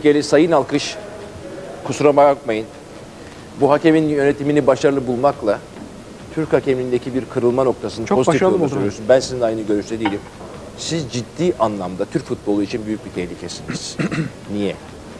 Geli Sayın Alkış, kusura bakmayın, bu hakemin yönetimini başarılı bulmakla Türk hakemindeki bir kırılma noktasını çok pozitif başarılı yolda buldum. söylüyorsun. Ben sizinle aynı görüşte değilim. Siz ciddi anlamda Türk futbolu için büyük bir tehlikesiniz. Niye?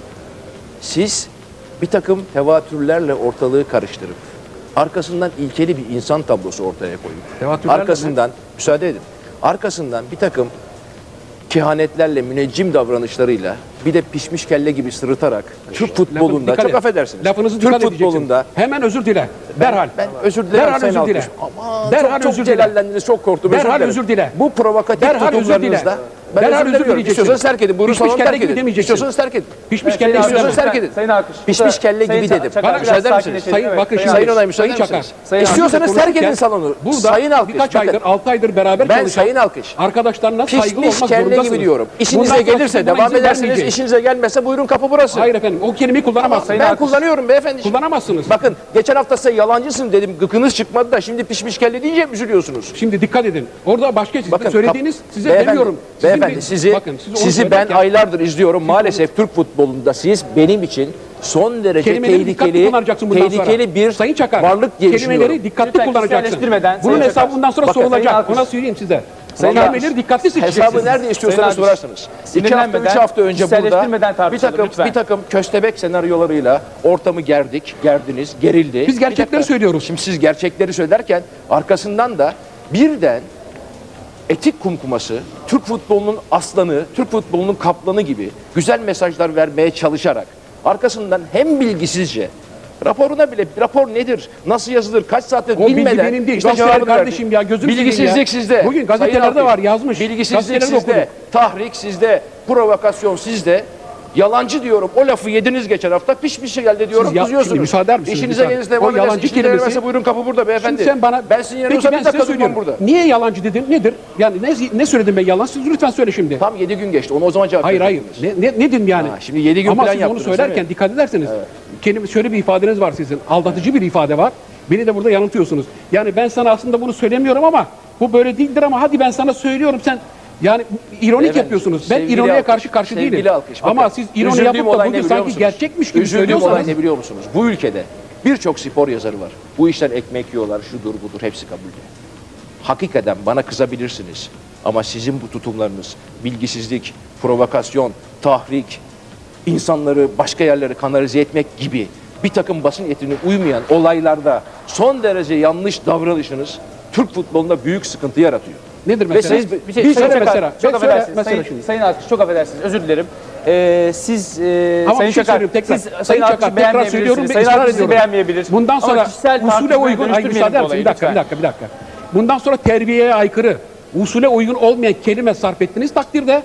Siz bir takım tevatürlerle ortalığı karıştırıp arkasından ilkeli bir insan tablosu ortaya koyup arkasından, müsaade edin, arkasından bir takım kehanetlerle, müneccim davranışlarıyla bir de pişmiş kelle gibi sırıtarak Türk futbolunda, çok affedersiniz, lafınızı Türk futbolunda hemen özür dile. Derhal. Ben özür dilerim derhal Sayın özür dile. Alkış. Aman derhal çok özür celallendiniz, çok korktum. Derhal özür dile. Bu provokatif derhal tutumlarınızda ben derhal özür diliyorum. İstiyorsanız terk edin. Buyurun salonu terk edin. İstiyorsanız terk edin. Pişmiş kelle İstiyorsanız terk edin. Sayın Alkış. Pişmiş kelle gibi dedim. Bana Müsaade eder misiniz? Sayın bakın şimdi. Sayın Onay müsaade misiniz? İstiyorsanız terk edin salonu. Burada Sayın Alkış. birkaç aydır, 6 aydır beraber ben çalışan Sayın Alkış. arkadaşlarına saygılı Pişmiş olmak kelle zorundasınız. gibi diyorum. İşinize Bundan gelirse sonra devam izin edersiniz. vermeyeceğim. İşinize gelmezse buyurun kapı burası. Hayır efendim, o kelimeyi kullanamazsınız. Ben kullanıyorum beyefendi. Kullanamazsınız. Bakın geçen hafta size yalancısın dedim. Gıkınız çıkmadı da şimdi pişmiş kelle deyince üzülüyorsunuz. Şimdi dikkat edin. Orada başka Bakın, söylediğiniz size beyefendi, demiyorum. Beyefendi sizi ben aylardır izliyorum. Maalesef Türk futbolunda siz benim için son derece tehlikeli bir Sayın Çakar, varlık diye kelimeleri dikkatli Lütfen kullanacaksın. kişiselleştirmeden, Bunun Sayın hesabı bundan sonra Bakın, sorulacak. Ona söyleyeyim size. Sayın Kelimeleri dikkatli seçeceksiniz. hesabı nerede istiyorsanız Sayın sorarsınız. 2 hafta, 3 sinirlenmeden, hafta önce burada kişiselleştirmeden tartışalım, lütfen. bir takım köstebek senaryolarıyla ortamı gerdiniz, gerildi. Biz gerçekleri Bir dakika. söylüyoruz. Şimdi siz gerçekleri söylerken arkasından da birden etik kumkuması, Türk futbolunun aslanı, Türk futbolunun kaplanı gibi güzel mesajlar vermeye çalışarak arkasından hem bilgisizce raporuna bile rapor nedir, nasıl yazılır, kaç saatte O bilgi bilmeden benim değil. işte Gazeteler cevabını kardeşim verdi. ya, gözüm Bilgisizlik seveyim ya. sizde. Bugün Sayın gazetelerde Alkış. var, yazmış. Bilgisizlik Gazeteleri sizde, okudum. tahrik sizde, provokasyon sizde. Yalancı diyorum. O lafı yediniz geçen hafta. Pişmiş geldi diyorum. Siz kızıyorsunuz. şimdi müsaade misiniz? İşinize gelirse devam O yalancı edersiniz. İşinize kelimesi- gelmezse buyurun kapı burada beyefendi. Şimdi sen bana... Ben sizin Peki yanınızda ben bir size dakika durmam söylüyorum. burada. Niye yalancı dedin? Nedir? Yani ne söyledim ben yalan? Siz lütfen söyle şimdi. Tam 7 gün geçti. Onu o zaman cevap Hayır hayır. verdiniz. Ne dedim yani? Ha, şimdi 7 gün Ama plan siz onu yaptınız, söylerken değil mi? dikkat ederseniz kelime şöyle bir ifadeniz var sizin. Aldatıcı bir ifade var. Beni de burada yanıltıyorsunuz. Yani ben sana aslında bunu söylemiyorum ama bu böyle değildir ama hadi ben sana söylüyorum sen yani ironik Efendim, yapıyorsunuz. Ben sevgili ironiye alkış, karşı sevgili değilim. alkış. Ama Bakın, siz ironi üzüldüğüm yapıp da olay ne bugün biliyor sanki musunuz? gerçekmiş gibi Üzüldüğüm olay söylüyorsanız ne biliyor musunuz? Bu ülkede birçok spor yazarı var. Bu işten ekmek yiyorlar, şudur budur, hepsi kabul. Hakikaten bana kızabilirsiniz. Ama sizin bu tutumlarınız, bilgisizlik, provokasyon, tahrik, insanları başka yerlere kanalize etmek gibi bir takım basın etikine uymayan olaylarda son derece yanlış davranışınız Türk futbolunda büyük sıkıntı yaratıyor. nedir Ve mesela? siz Bir şey Bir Sayın söyle Çakar, mesela. çok Ben söyle affedersiniz. mesela şimdi. Sayın Alkış çok affedersiniz. Özür dilerim. Siz Ama Sayın bir şey Çakar, söyleyeyim tekrar. siz Sayın Sayın Çakar Alkış'ı tekrar söylüyorum beğenmeyebilirsiniz. ve Sayın ısrar Alkış sizi ediyorum. beğenmeyebilir. Bundan Ama sonra kişisel usule tartışmaya uygun, ay dönüştürmeyelim müsaade bu misin? olayı Bir dakika. lütfen. Bundan sonra terbiyeye aykırı, usule uygun olmayan kelime sarf ettiğiniz takdirde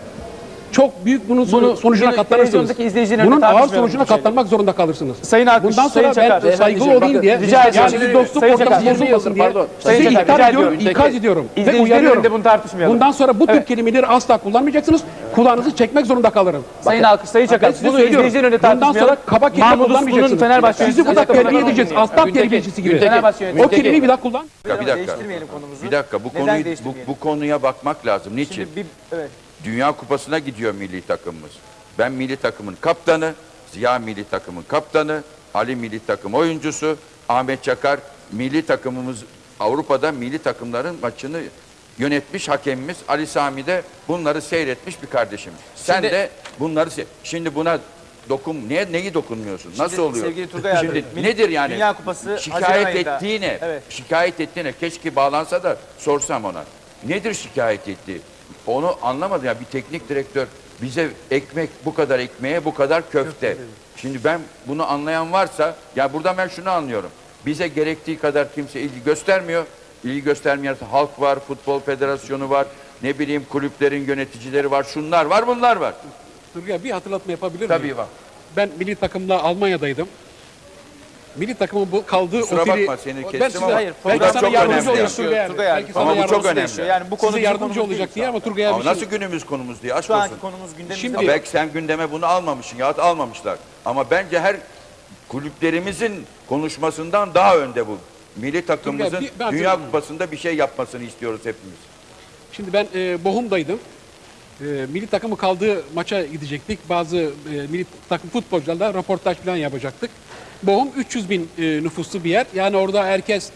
çok büyük bunun sonucuna katlanırsınız. televizyondaki izleyicilerin Bunun önünde ağır tartışmayalım sonucuna bu şeyleri. katlanmak zorunda kalırsınız. Sayın Alkış, Bundan sonra Sayın Çakar, ben saygılı bakın, olayım diye, rica ediyorum. yani bir dostluk Sayın ortamı Çakar, bozulmasın diye pardon. Sayın sizi Çakar, ihtar rica ediyorum, ediyorum. ikaz ediyorum ve İzleyicilerin uyarıyorum. önünde bunu tartışmayalım. Bundan sonra bu tür Evet. kelimeleri asla kullanmayacaksınız. Kulağınızı çekmek zorunda kalırım. Sayın Alkış, Sayın Çakar, Ben size bunu söylüyorum. izleyicilerin önünde Bundan tartışmayalım. sonra kaba kelime Mahmut Uslu'nun kullanmayacaksınız. Fenerbahçe Sizi burada yöneticisi terbiye edeceğiz. Aslan Günteki, terbiyecisi gibi. Günteki. Fenerbahçe O yöneticisi. kelimeyi bir daha kullan. Bir dakika. Değiştirmeyelim konumuzu. Bir dakika. Neden değiştirmeyelim? Bu konuya bakmak lazım. Niçin? Şimdi evet. Dünya Kupası'na gidiyor milli takımımız. Ben milli takımın kaptanı, Ziya milli takımın kaptanı, Ali milli takım oyuncusu, Ahmet Çakar milli takımımız Avrupa'da milli takımların maçını yönetmiş hakemimiz, Ali Sami de bunları seyretmiş bir kardeşim. Sen de bunları şimdi buna neyi dokunmuyorsun? Nasıl oluyor? Sevgili Turgay abi, Şimdi nedir yani? Dünya Kupası Haziran şikayet ayında. ettiğine, Evet. şikayet ettiğine keşke bağlansa da sorsam ona. Nedir şikayet ettiği? Onu anlamadım ya, bir teknik direktör bize bu kadar ekmeğe bu kadar köfte. Şimdi ben bunu anlayan varsa ya buradan ben şunu anlıyorum. Bize gerektiği kadar kimse ilgi göstermiyor. İlgi göstermeyen halk var, futbol federasyonu var, ne bileyim kulüplerin yöneticileri var, şunlar var, bunlar var. Turgay bir hatırlatma yapabilir miyim? Tabii var. Ben milli takımla Almanya'daydım. Milli takımın bu kaldığı Kusura oteli... bakma, seni kestim ben size, ama hayır, belki program sana çok yardımcı önemli. olur Turgay abi. Turgay abi, Belki sana ama bu çok yardımcı önemli. değişiyor. Yani bu konu size bizim yardımcı konumuz olacak değil diye ama Turgay abi Ama bir şey... nasıl günümüz konumuz diye aşk Şu olsun. anki konumuz gündemimizde. Şimdi- Ha, belki sen gündeme bunu almamışsın ya almamışlar. Ama bence her kulüplerimizin konuşmasından daha önde bu. Milli takımımızın ben Dünya hatırlıyorum. Kupası'nda bir şey yapmasını istiyoruz hepimiz. Şimdi ben Bochum'daydım. milli takımı kaldığı maça gidecektik. Bazı milli takım futbolcularla röportaj falan yapacaktık. Bochum 300 bin nüfuslu bir yer. Yani orada herkes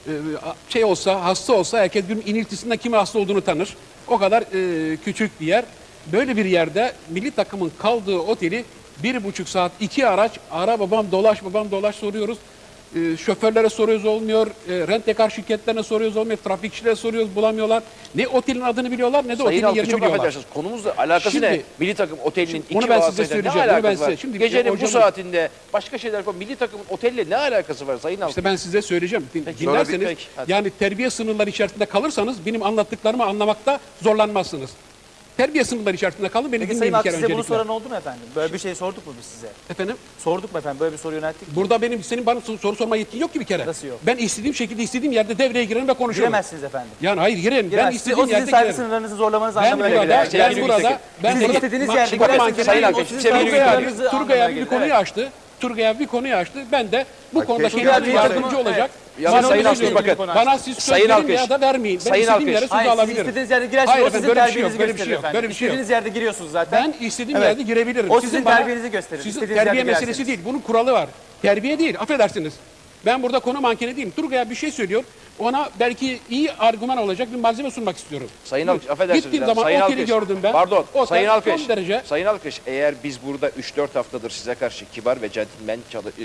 şey olsa, hasta olsa herkes bir iniltisinden kimin hasta olduğunu tanır. O kadar küçük bir yer. Böyle bir yerde milli takımın kaldığı oteli 1,5 saat 2 araç ara babam dolaş soruyoruz. Şoförlere soruyoruz olmuyor, rent-a-car şirketlerine soruyoruz olmuyor, trafikçilere soruyoruz bulamıyorlar. Ne otelin adını biliyorlar ne de Sayın otelin Alkış yerini çok biliyorlar. affedersiniz. Konumuzla alakası Şimdi- ne? Milli takım otelinin Onu iki ben size vasıtayla ne söyleyeceğim, onu ben alakası var? size- şimdi Gecenin bu hocam- saatinde başka şeyler koy. Milli takımın otelle ne alakası var Sayın Alkış? İşte ben size söyleyeceğim. Dinlerseniz, Peki, hadi. yani terbiye sınırları içerisinde kalırsanız benim anlattıklarımı anlamakta zorlanmazsınız. Terbiye sınırları içerisinde kalın, beni Peki dinleyin Sayın bir Alkış kere size bunu öncelikle. soran oldu mu efendim? Böyle bir şey sorduk mu biz size? Efendim? Sorduk mu efendim? Böyle bir soru yönelttik mi? Burada senin bana soru sorma yetkin yok ki bir kere. Nasıl yok? Ben istediğim şekilde istediğim yerde devreye girerim ve konuşurum. Giremezsiniz efendim. Yani hayır girerim. Ben Giremezsiniz. istediğim O sizin yerde saygı girerim. sınırlarınızı zorlamanız Ben anlamına burada, gelir. ben Sevgili burada, Gültekin. ben Siz burada, istediğiniz bak, yerde şimdi girersiniz. mankenler- Sayın Efendim, Alkış, o sizin sevgili saygı Gültekin. sınırlarınızı Turgay anlamına abi bir gelir. konuyu Evet. açtı. Turgay abi bir konuyu açtı. Ben de bu konuda keşke kendime Turgay abi yardımcı yardım- olacak. Ya Bana Sayın söylüyorum. Alkış, bakın. Bana siz söz Sayın verin Alkış. ya da vermeyin. Ben Sayın istediğim Alkış. yere söz Hayır siz alabilirim. istediğiniz yerde girersiniz. Hayır O efendim, sizin böyle bir şey terbiyenizi yok, böyle bir şey gösterir yok, efendim. böyle bir şey yok. İstediğiniz yerde giriyorsunuz zaten. Ben istediğim Evet. yerde girebilirim. O sizin bana- terbiyenizi gösterir. Sizin İstediğiniz terbiye yerde meselesi girersiniz. değil. Bunun kuralı var. Terbiye değil. Affedersiniz. Ben burada konu mankeni değilim. Turgay'a bir şey söylüyor. Ona belki iyi argüman olacak bir malzeme sunmak istiyorum. Sayın Alkış, affedersiniz. Gittiğim ya. zaman Sayın oteli Alkış. gördüm ben. Pardon. Otel Sayın son Alkış. derece- Sayın Alkış, eğer biz burada 3-4 haftadır size karşı kibar ve centilmen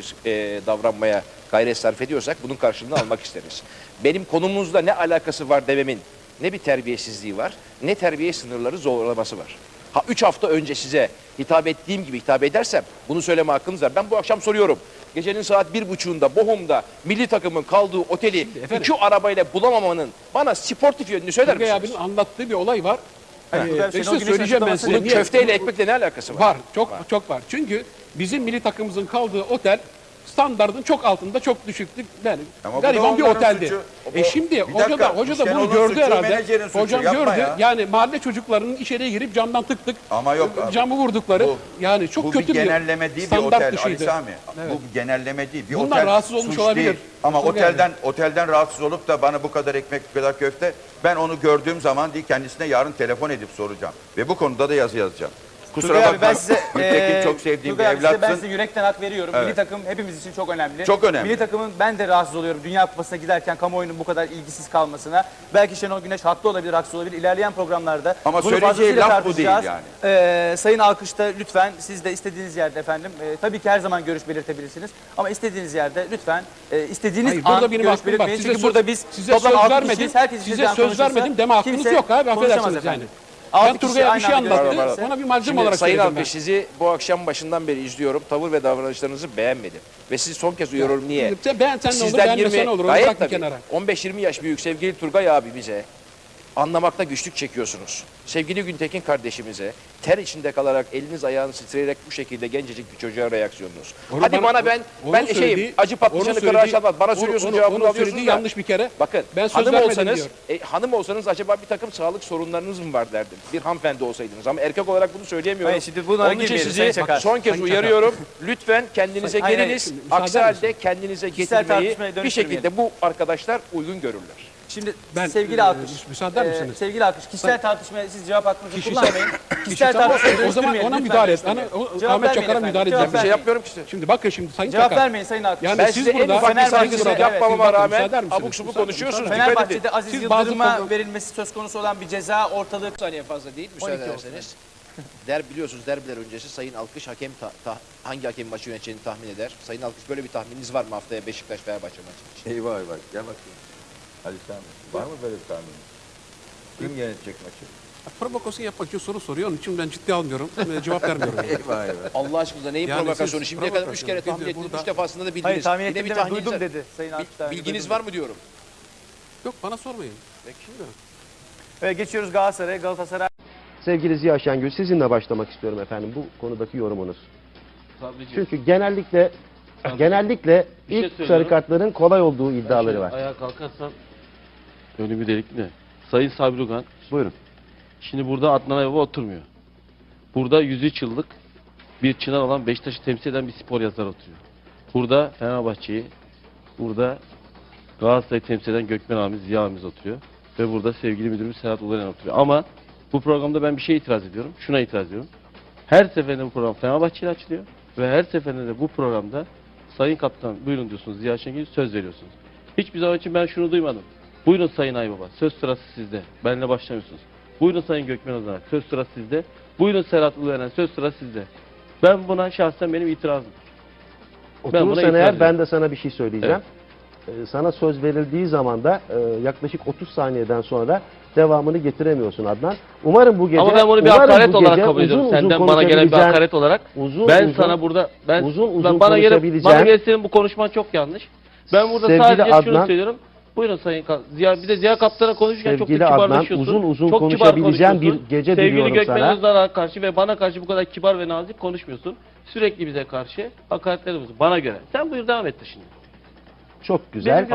davranmaya gayret sarf ediyorsak bunun karşılığını almak isteriz. Benim konumuzla ne alakası var dememin ne bir terbiyesizliği var, ne terbiye sınırları zorlaması var. Ha 3 hafta önce size hitap ettiğim gibi hitap edersem bunu söyleme hakkınız var. Ben bu akşam soruyorum. Gecenin saat 1.30'unda Bochum'da milli takımın kaldığı oteli efendim- 2 arabayla bulamamanın bana sportif yönünü söyler Turgay misiniz? abinin anlattığı bir olay var. Turgay abi, Şenol Şenol Güneş'in söyleyeceğim ben açıklaması size. Bunun niye? köfteyle ekmekle ne alakası var? Var. Çok var. Çünkü bizim milli takımımızın kaldığı otel standardın çok altında, çok düşüktü. Yani Ama bu gariban da bir onların oteldi. suçu. Şimdi Bir hoca dakika, da bunu Şenol'un gördü suçu, herhalde. menajerin suçu. Hocam Yapma gördü. ya. Yani mahalle çocuklarının içeriye girip camdan tık tık Ama yok abi. camı vurdukları. Bu- yani çok bu kötü bir genelleme değil bir standart otel Ali dışıydı. Sami. Bu bir genelleme değil. Bir Bundan otel rahatsız olmuş suç olabilir. değil. Ama Turgay otelden rahatsız olup da bana bu kadar ekmek, bu kadar köfte, ben onu gördüğüm zaman değil kendisine yarın telefon edip soracağım. Ve bu konuda da yazı yazacağım. Kusura Turgay abi bakma. ben size Gültekin çok sevdiğim bir Turgay abi, size ben evlatsın. size yürekten hak veriyorum. Evet. Milli takım hepimiz için çok önemli. Çok önemli. Milli takımın ben de rahatsız oluyorum. Dünya Kupası'na giderken kamuoyunun bu kadar ilgisiz kalmasına. Belki Şenol Güneş haklı olabilir, haksız olabilir. İlerleyen programlarda Ama bunu söyleyeceği fazlasıyla laf bu değil tartışacağız. yani. Sayın Alkış'ta lütfen siz de istediğiniz yerde efendim. Tabii ki her zaman görüş belirtebilirsiniz. Ama istediğiniz yerde lütfen istediğiniz Hayır, burada an benim görüş hakkım var. belirtmeyin. Size Çünkü söz- burada biz size toplam söz 6 vermedim. kişiyiz. Herkes Size istediği an söz konuşursa vermedim deme hakkınız kimse yok abi, konuşamaz affedersiniz efendim. yani. Altı Ben kişi Turgay'a bir aynı şey anda anlattı. görüşürse- Ona bir malzeme Şimdi olarak Sayın söyledim ben. Alkış, sizi bu akşam başından beri izliyorum. Tavır ve davranışlarınızı beğenmedim. Ve sizi son kez uyarıyorum niye? Ben sen ne olur, beğenmesen ne olur. Onu gayet bırak bir tabii. kenara. 15-20 yaş büyük sevgili Turgay abimize anlamakta güçlük çekiyorsunuz. Sevgili Güntekin kardeşimize ter içinde kalarak eliniz ayağınız titreyerek bu şekilde gencecik bir çocuğa reaksiyonunuz. Onu Hadi bana onun ben söylediği- acı patlıcanı onun kırağa söylediği- çalmaz. Bana söylüyorsun cevabını onun alıyorsunuz söylediği da. yanlış bir kere. Bakın Ben söz hanım vermedim olsanız, diyor. hanım olsanız acaba bir takım sağlık sorunlarınız mı var derdim. Bir hanımefendi olsaydınız ama erkek olarak bunu söyleyemiyorum. Hayır, şimdi bunlara Onun için girmeyelim, sizi Sayın Çakar. son kez Sayın uyarıyorum. Lütfen kendinize Hayır, hayır, geliniz. şimdi müsaade Aksi misin? halde kendinize Kişisel getirmeyi tartışmaya bir dönüştürmeyelim. şekilde bu arkadaşlar uygun görürler. Şimdi Ben, sevgili Alkış, müsaade eder misiniz? sevgili Alkış, kişisel tartışmaya siz cevap hakkınızı Kişisel- kullanmayın. Kişisel Tamam, tartışmaya o zaman dönüştürmeyelim, ona lütfen müdahale et. dönüştürmeyelim. Ahmet vermeyin Çakar'a efendim, müdahale cevap edeceğim. Bir şey vermeyin. yapmıyorum ki size. Şimdi bakın şimdi Sayın Cevap Çakar. vermeyin Sayın Alkış. Yani Ben siz size en burada ufak bir Fenerbahçe'de saygısızlık evet, yapmamama bakın, rağmen müsaade misiniz? abuk subuk Müsaade- konuşuyorsunuz. Dikkat edin. Fenerbahçe'de Aziz Siz bazı Yıldırım'a program- verilmesi söz konusu olan bir ceza ortalığı... Saniye fazla değil müsaade ederseniz. Biliyorsunuz derbiler öncesi Sayın Alkış hakem hangi hakem maçı yöneteceğini tahmin eder. Sayın Alkış böyle bir tahmininiz var mı haftaya Beşiktaş Fenerbahçe maçı için? Eyvah eyvah. Gel bakayım. Ali Sami. Var mı böyle bir tahmin? Kim yönetecek maçı? Provokasyon yapmak için soru soruyor. Onun için ben ciddi almıyorum. Cevap vermiyorum. Eyvah eyvah. Allah aşkına neyin Yani provokasyonu? siz Şimdiye kadar 3 provokasyon, kere tahmin biz de ettiniz, burada- 3 defasında da bildiniz. Hayır tahmin Yine ettim bir demez, tahmininiz duydum var. dedi Sayın Alkış. daha önce Bilginiz duydum. var mı diyorum. Yok bana sormayın. Peki. Evet, geçiyoruz Galatasaray'a. Galatasaray Sevgili Ziya Şengül, sizinle başlamak istiyorum efendim bu konudaki yorumunuz. Tabii ki. Çünkü genellikle Bir şey ilk sarı söylüyorum. kartların kolay olduğu iddiaları var. Ayağa kalkarsam önümü delik mi? Sayın Sabri Ugan, Buyurun. şimdi burada Adnan Aybaba oturmuyor. Burada 103 yıllık bir çınar olan Beşiktaş'ı temsil eden bir spor yazarı oturuyor. Burada Fenerbahçe'yi, burada Galatasaray'ı temsil eden Gökmen abimiz, Ziya abimiz oturuyor. Ve burada sevgili müdürümüz Serhat Ulayan oturuyor. Ama Bu programda ben bir şeye itiraz ediyorum. Şuna itiraz ediyorum. Her seferinde bu program Fenerbahçe ile açılıyor. Ve her seferinde de bu programda Sayın Kaptan buyurun diyorsunuz, Ziya Şengül söz veriyorsunuz. Hiçbir zaman için ben şunu duymadım. Buyurun Sayın Aybaba, söz sırası sizde. Benimle başlamıyorsunuz. Buyurun Sayın Gökmen Özanak, söz sırası sizde. Buyurun Serhat Ulueren, söz sırası sizde. Ben buna şahsen benim itirazım. Oturursan eğer ben de sana bir şey söyleyeceğim. Sana söz verildiği zaman da yaklaşık 30 saniyeden sonra devamını getiremiyorsun Adnan. Umarım bu gece... Ama ben bunu bir hakaret olarak kabul ediyorum. Senden bana gelen bir hakaret olarak. Sana burada... bana gelen senin bu konuşman çok yanlış. Ben burada sadece şunu söylüyorum. Buyurun Sayın Ziya, bir de Ziya Kaptan'a konuşurken çok da kibarlaşıyorsun. Uzun çok konuşabileceğim bir gece diliyorum sana. Sevgili Gökmen Özdağ'a karşı ve bana karşı bu kadar kibar ve nazik konuşmuyorsun. Sürekli bize karşı hakaretler ediyorsun bana göre. Sen buyur devam et de şimdi. Çok güzel.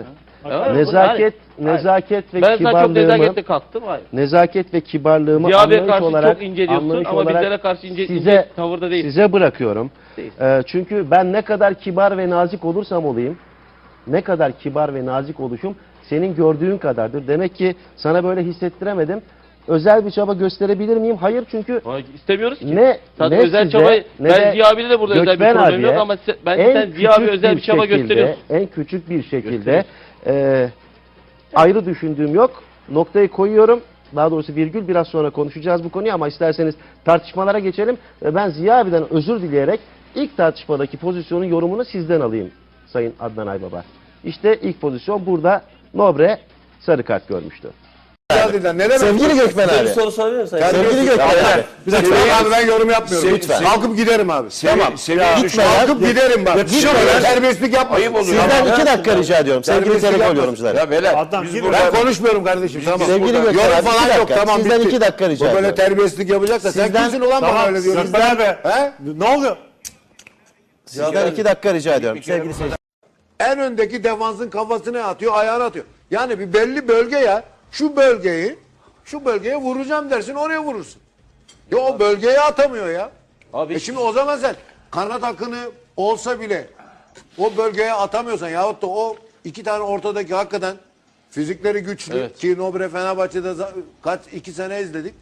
Nezaket ve ben kibarlığımı... Ben sana çok nezaketle kalktım. Hayır. Nezaket ve kibarlığımı Ziya Bey'e karşı çok ince diyorsun ama bizlere karşı ince tavırda değil. Size bırakıyorum. Çünkü ben ne kadar kibar ve nazik olursam olayım, ne kadar kibar ve nazik oluşum senin gördüğün kadardır. Demek ki sana böyle hissettiremedim. Özel bir çaba gösterebilir miyim? Hayır, çünkü istemiyoruz ki. Ne özel size, çabayı ne ben Ziya abiyle de burada özel bir problem yok ama sen Ziya abi özel bir çaba gösteriyorsun. En küçük bir şekilde ayrı düşündüğüm yok. Noktayı koyuyorum. Daha doğrusu virgül, biraz sonra konuşacağız bu konuyu ama isterseniz tartışmalara geçelim. Ben Ziya abiden özür dileyerek ilk tartışmadaki pozisyonun yorumunu sizden alayım Sayın Adnan Aybaba. İşte ilk pozisyon burada Nobre sarı kart görmüştü. Sevgili Gökmen abi. Bir soru sorabilir miyim? Sevgili Gökmen abi. Bir dakika abi, ben yorum yapmıyorum. Lütfen. Kalkıp giderim abi. Tamam. Gitme ya. Kalkıp giderim bak. Şöyle terbiyesizlik yapmayın. Sizden 2 dakika rica ediyorum. Sevgili telefon yorumcuları. Ya beyler Ben konuşmuyorum kardeşim. Tamam. Sevgili Gökmen Yorum abi, falan 2 yok. dakika. Tamam, Sizden bitti. 2 dakika rica Bu ediyorum. böyle terbiyesizlik yapacaksa sen Sizden- kimsin ulan bana öyle diyorsun? He? Ne oluyor? Sizden 2 dakika rica ediyorum. Sevgili seyirciler. En öndeki defansın kafasına atıyor, ayağına atıyor. Yani bir belli bölge ya. Şu bölgeye vuracağım dersin, oraya vurursun. Ya o bölgeye atamıyor ya. Abi Şimdi o zaman sen kanat akını olsa bile o bölgeye atamıyorsan yahut da o iki tane ortadaki hakikaten fizikleri güçlü ki Nobre Fenerbahçe'de kaç 2 sene izledik.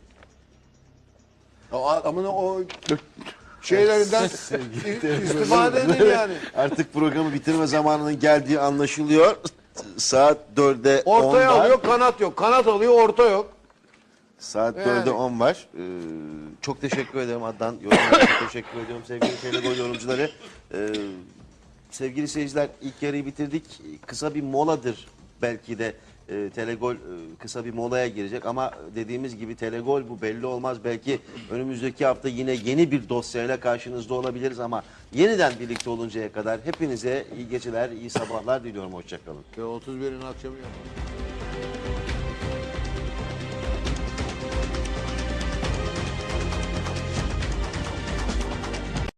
O adamın o şeylerinden istifade edin yani. Artık programı bitirme zamanının geldiği anlaşılıyor. Saat 4'e 10 Ortaya var. alıyor, kanat yok. Kanat alıyor, orta yok. Saat Yani. 4'e 10 var. Çok teşekkür ederim Adnan. Yorumlara çok teşekkür ediyorum sevgili Telegol yorumcuları. Sevgili seyirciler, ilk yarıyı bitirdik. Kısa bir moladır belki de. Telegol kısa bir molaya girecek ama dediğimiz gibi Telegol bu belli olmaz. Belki önümüzdeki hafta yine yeni bir dosyayla karşınızda olabiliriz ama yeniden birlikte oluncaya kadar hepinize iyi geceler, iyi sabahlar diliyorum. Hoşça kalın. 31'in akşamı yapalım.